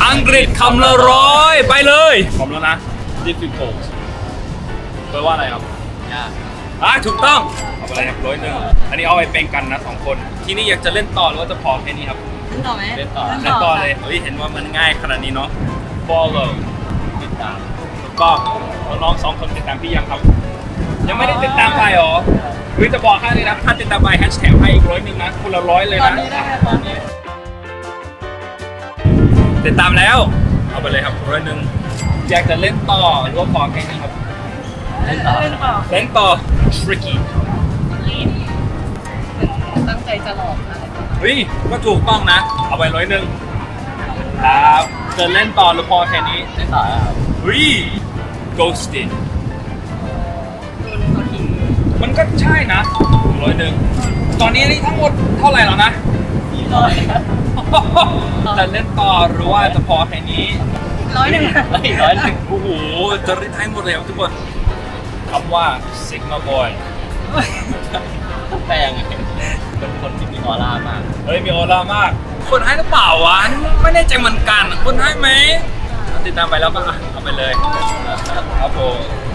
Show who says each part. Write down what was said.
Speaker 1: อังกฤษคำละ100ไปเลยพร้อมแล้วนะ difficult แปลว่าอะไรครับยากถูกต้องเอาไปเลยครับ101อันนี้เอาไปเป็นกันนะ2คนที่นี่อยากจะเล่นต่อหรือว่าจะพอแค่นี้ครับ
Speaker 2: เล่นต่อไหม
Speaker 1: เล่นต่อเลยเฮ้ยเห็นว่ามันง่ายขนาดนี้เนาะ follow ติดตามแล้วก็น้องๆ2คนติดตามพี่ยังครับยังไม่ได้ติดตามไปหรอหรือจะบอกให้เลยนะถ้าติดตามไปแฮชแท็กให้อีก101นะคนละ100เลย
Speaker 2: ตอน
Speaker 1: นะ
Speaker 2: นี้ได้ไหมตอนนี้
Speaker 1: ติดตามแล้วเอาไปเลยครับ101อยากจะเล่นต่อหรือว่าพอแค่นี้ครับ
Speaker 2: เล่นต่อ
Speaker 1: เล่นต่อ tricky
Speaker 2: ตั้งใจจะหลอกอะไร
Speaker 1: เฮ้ยก็ถูกต้องนะเอาไป101ครับจะเล่นต่อหรือพอแค่นี้เล่นต่อครับเฮ้ย ghosted
Speaker 2: โดนเขาทิ้ง
Speaker 1: มันก็ใช่นะ101ตอนนี้นี่ทั้งหมดเท่าไหร่แล้วนะ
Speaker 2: 400
Speaker 1: จะเล่นต่อหรือว่าจะพอแค่นี้
Speaker 2: 101
Speaker 1: โอ้โหจะรีดให้หมดเลยครับทุกคนคำว่า Sigma Boy
Speaker 3: แปลงเป็นคนที่มีออร่ามาก
Speaker 1: เฮ้ยมีออร่ามาก คนให้หรือเปล่าวะไม่แน่ใจเหมือนกันคนให้ไหมติดตามไปแล้วก็เอาไปเลยครับผม